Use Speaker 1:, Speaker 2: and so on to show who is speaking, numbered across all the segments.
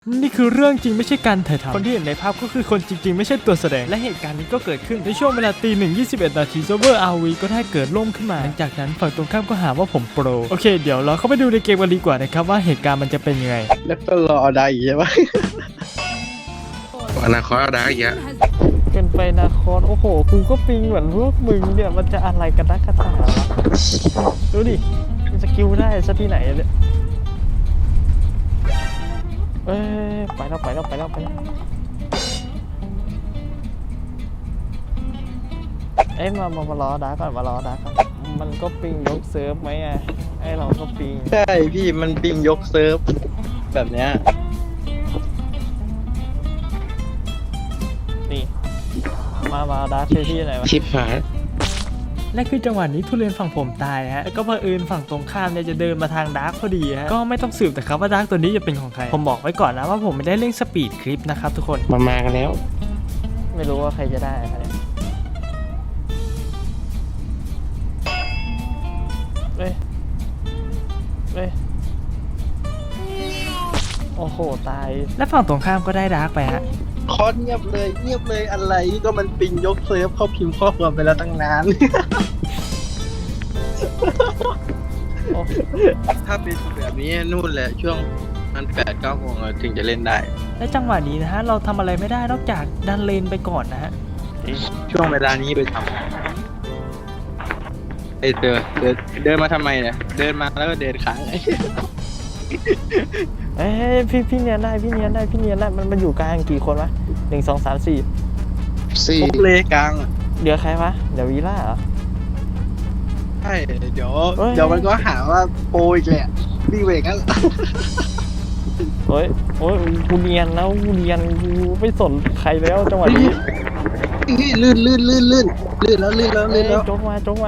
Speaker 1: นี่คือเรื่องจริงไม่ใช่การถ่ายทำคนที่เห็นในภาพก็คือคนจริงๆไม่ใช่ตัวแสดงและเหตุการณ์นี้ก็เกิดขึ้นในช่วงเวลาตี 1:21 นาทีเซิร์ฟเวอร์ RV ก็ได้เกิดล่มขึ้นมาหลังจากนั้นฝั่งตรงข้ามก็หาว่าผมโปรโอเคเดี๋ยวเราเข้าไปดูในเกมกันดีกว่านะครับว่าเหตุการณ์มันจะเป็นยังไง
Speaker 2: แล้วก็รอได้อีกใช่ไหม
Speaker 3: อนาคตเอาได้อีกอะ
Speaker 1: เป็นไปนาคอนโอ้โหกูก็ปิงเหมือนพวกมึงเนี่ยมันจะอะไรกันนักกันหนาวะดูดิมันสกิลได้ซะที่ไหนเนี่ยไปแล้วมารอดาก่อนมันก็ปิงยกเซิร์ฟไหมอ่ะไอเราก็ปิง
Speaker 2: ใช่พี่มันปิงยกเซิร์ฟแบบเนี้ย
Speaker 1: นี่มาดาร์คที่ไหนวะ
Speaker 3: ชิปหาย
Speaker 1: และคือจังหวะนี้ทุเรียนฝั่งผมตายฮะแล้วก็เผอิญฝั่งตรงข้ามเนี่ยจะเดินมาทางดาร์คพอดีฮะก็ไม่ต้องสืบแต่ครับว่าดาร์คตัวนี้จะเป็นของใครผมบอกไว้ก่อนนะว่าผมไม่ได้เล่นสปีดคลิปนะครับทุกคน
Speaker 3: มันมากันแล้ว
Speaker 1: ไม่รู้ว่าใครจะได้ครับเนี่ยเฮ้ยโอ้โหตายและฝั่งตรงข้ามก็ได้ดาร์กไปฮะ
Speaker 2: คอสเงียบเลยอะไรก็มันปิงยกเซิร์ฟเขาพิมพ์ข้อความไปแล้วตั้งนาน
Speaker 1: โอ้
Speaker 2: ถ้าเป็นแบบนี้นู่นแหละช่วงมัน8-9 โมงถึงจะเล่นได้
Speaker 1: และจังหวะนี้นะฮะเราทำอะไรไม่ได้นอกจากดันเลนไปก่อนนะฮะ
Speaker 2: ช่วงเวลานี้ไปทำเดินมาทำไมเนี่ยเดินมาแล้วก็เดินค้าง
Speaker 1: พี่เนียนได้มันอยู่กลางกี่คนวะ1 2 3 4
Speaker 3: สี่
Speaker 2: พวกเลกลางอะ
Speaker 1: เดี๋ยวใครวะเดี๋ยววีล่าเหรอ
Speaker 2: ใช่เดี๋ยว
Speaker 1: เฮ้ย
Speaker 2: เดี๋ยวมันก็หาว่าโปรอีกแหละวิ่งเวกกัน
Speaker 1: โอ้ยกูเนียนแล้วกูไม่สนใครแล้วจังหวะนี้
Speaker 2: ลื่นแล้ว
Speaker 1: โจ๊กมา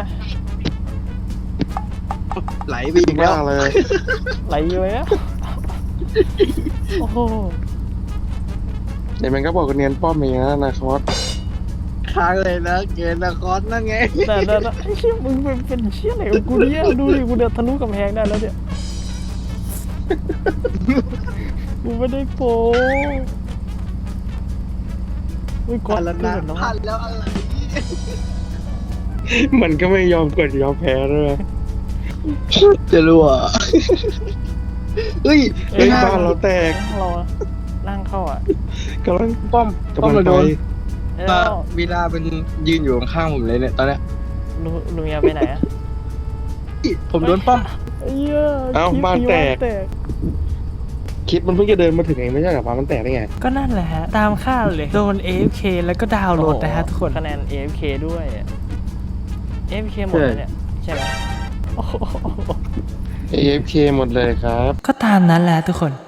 Speaker 2: ไหลไปอีกแล้ว
Speaker 3: บ้าเลย
Speaker 1: ไหลเลยอะโอ้โห
Speaker 3: เดี๋ยวมันก็บอกกันเนียนป้อมเองนะอนาคต
Speaker 2: ค้างเลยนะเกณฑ์นครนั่นไง
Speaker 1: แต่ไอ้เชี่ยมึงเป็นเชี่ยอะไรของกูเนี่ยดูดิกูเดินทะลุกำแพงได้แล้วเนี่ยกูไม่ได้โปไม่ก
Speaker 2: พั
Speaker 1: ด
Speaker 2: นแล้ว
Speaker 1: เกิ
Speaker 2: นะ
Speaker 1: นแล้ว
Speaker 2: พันแล้วอะไร
Speaker 3: มันก็ไม่ยอมกดยอมแพ้ด้วย
Speaker 2: จะรู้อ่ะเฮ้ย
Speaker 3: เฮ้ยบ้านเราแตก
Speaker 1: เรานั่งเข้าอ่ะ
Speaker 3: กำลัง
Speaker 2: ป้อม
Speaker 3: กำลัง
Speaker 2: เรา
Speaker 3: ไป
Speaker 2: โดน
Speaker 1: แล้ว
Speaker 2: เวลาเป็นยืนอยู่ข้างๆผมเลยเนี่ยตอนเนี้ย
Speaker 1: ลุงยาไปไหนอ่ะ
Speaker 2: ผมโดนป้อม
Speaker 1: เอ้ย
Speaker 3: เอ้าบ้านแตก
Speaker 1: แตก
Speaker 3: คิดมันเพิ่งจะเดินมาถึงเองไม่ใช่เหรอบ้านมันแตกได้ไง
Speaker 1: ก็นั่นแหละฮะตามคาดเลยโดน AFK แล้วก็ดาวน์โหลดนะฮะทุกคนคะแนน AFK ด้วย AFK หมดเลยเนี่ยใช่ไหมโอ้โห
Speaker 3: AFK หมดเลยครับ
Speaker 1: ก็ตามนั้นแหละทุกคน